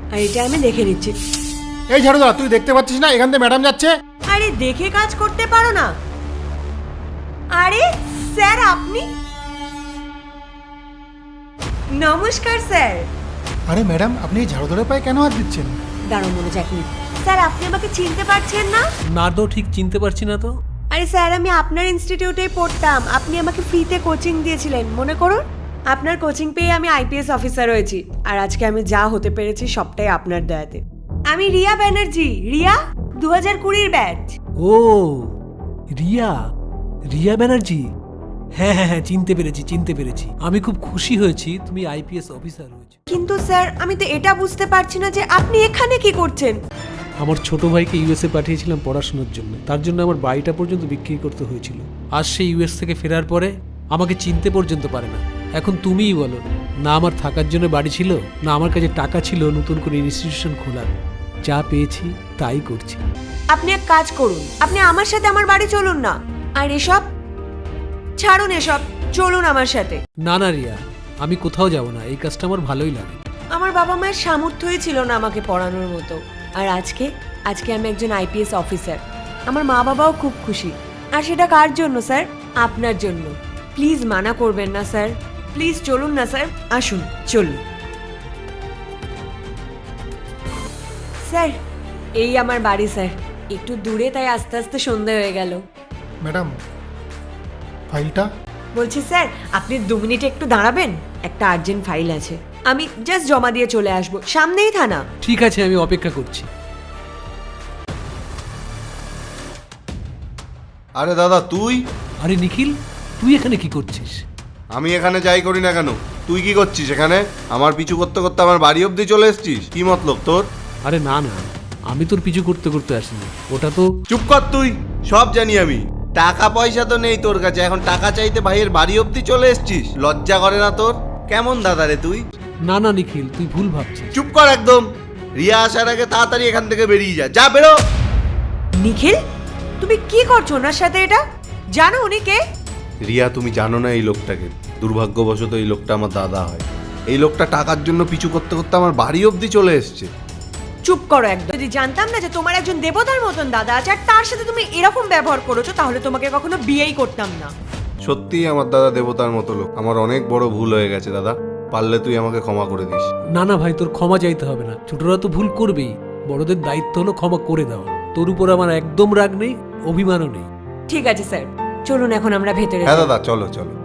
আর এটা আমি দেখে নিচ্ছি। এই ঝাড়ুদা, তুই দেখতে পাচ্ছিস না এখান থেকে ম্যাডাম যাচ্ছে? আরে দেখে কাজ করতে পারো না? আরে স্যার আপনি? নমস্কার স্যার। আরে ম্যাডাম, আপনি এই ঝাড়ুদারের পায়ে কেন হাত দিচ্ছেন? দাঁড়াও মনে যাক নি। স্যার আপনি আমাকে চিনতে পারছেন না? না তো, ঠিক চিনতে পারছি না তো। আরে স্যার আমি আপনার ইনস্টিটিউটেই পড়তাম, আপনি আমাকে ফ্রিতে কোচিং দিয়েছিলেন মনে করুন। আপনার কোচিং পেয়ে আমি আইপিএস অফিসার হয়েছি, আর আজকে আমি যা হতে পেরেছি সবটাই আপনার দয়াতে। আমি রিয়া ব্যানার্জি, রিয়া 2020 ব্যাচ। ও রিয়া, রিয়া ব্যানার্জি। হ্যাঁ হ্যাঁ হ্যাঁ, চিনতে পেরেছি। আমি খুব খুশি হয়েছি তুমি আইপিএস অফিসার হয়েছো। কিন্তু স্যার আমি তো এটা বুঝতে পারছি না যে আপনি এখানে কি করছেন। আমার ছোট ভাইকে ইউএসএ পাঠিয়েছিলাম পড়াশোনার জন্য, তার জন্য আমার বাড়িটা পর্যন্ত বিক্রি করতে হয়েছিল। আজ সে ইউএস থেকে ফেরার পরে আমাকে চিনতে পর্যন্ত পারে না। এখন তুমিই বলো, না আমার থাকার জন্য বাড়ি ছিল, না আমার কাছে টাকা ছিল নতুন করে ইনস্টিটিউশন খোলার। যা পেয়েছি তাই করছি। আপনি এক কাজ করুন, আপনি আমার সাথে আমার বাড়ি চলুন না। আর এসব ছাড়ুন, এসব চলুন আমার সাথে। না না রিয়া, আমি কোথাও যাব না, এই কাজটা আমার ভালোই লাগে। আমার বাবা মায়ের সামর্থ্যই ছিল না আমাকে পড়ানোর মতো, আর আজকে আমি একজন আইপিএস অফিসার। আমার মা বাবাও খুব খুশি। আর সেটা কার জন্য স্যার? আপনার জন্য। প্লিজ মানা করবেন না স্যার, প্লিজ চলুন না স্যার, আসুন চলুন। স্যার এই আমার বাড়ি স্যার, একটু দূরে, তাই আস্তে আস্তে সন্ধে হয়ে গেল। ম্যাডাম, ফাইলটা? বলছি স্যার আপনি 2 মিনিট একটু দাঁড়াবেন, একটা আর্জেন্ট ফাইল আছে, আমি জাস্ট জমা দিয়ে চলে আসবো, সামনেই থানা। ঠিক আছে, আমি অপেক্ষা করছি। আরে দাদা তুই? আরে নিখিল, তুই এখানে কি করছিস? আমি এখানে যাই করি না কেন, তুই কি করছিস এখানে? আমার পিছু করতে করতে আমার বাড়ি অবধি চলে এসেছিস, কি মতলব তোর? আরে না না, আমি তোর পিছু করতে করতে আসিনি, ওটা তো। চুপ কর তুই, সব জানি আমি। টাকা পয়সা তো নেই তোর কাছে, এখন টাকা চাইতে ভাইয়ের বাড়ি অবধি চলে এসেছিস? লজ্জা করে না তোর? কেমন দাদা রে তুই? না না নিখিল, তুই ভুল ভাবছিস। চুপ কর একদম। রিয়া আসার আগে তাড়াতাড়ি এখান থেকে বেরিয়ে যা, যা বেরো। নিখিল তুমি কি করছো ওনার সাথে? এটা জানো উনি কে? রিয়া তুমি জানো না এই লোকটাকে? দুর্ভাগ্যবশত এই লোকটা আমার দাদা হয়। এই লোকটা টাকার জন্য পিছু করতে করতে আমার বাড়ি অবধি চলে এসছে। চুপ করো একদম। যদি জানতাম না যে তোমার একজন দেবতার মতন দাদা আছে আর তার সাথে তুমি এরকম ব্যবহার করেছো, তাহলে তোমাকে কখনো বিয়েই করতাম না। সত্যিই আমার দাদা দেবতার মতো লোক। আমার অনেক বড় ভুল হয়ে গেছে দাদা, পারলে তুই আমাকে ক্ষমা করে দিস। না না ভাই, তোর ক্ষমা চাইতে হবে না, ছোটরা তো ভুল করবেই, বড়দের দায়িত্ব হলো ক্ষমা করে দেওয়া। তোর উপর আমার একদম রাগ নেই, অভিমানও নেই। ঠিক আছে স্যার, চলুন এখন আমরা ভেতরে হ্যাঁ যাই। দাদা চলো চলো।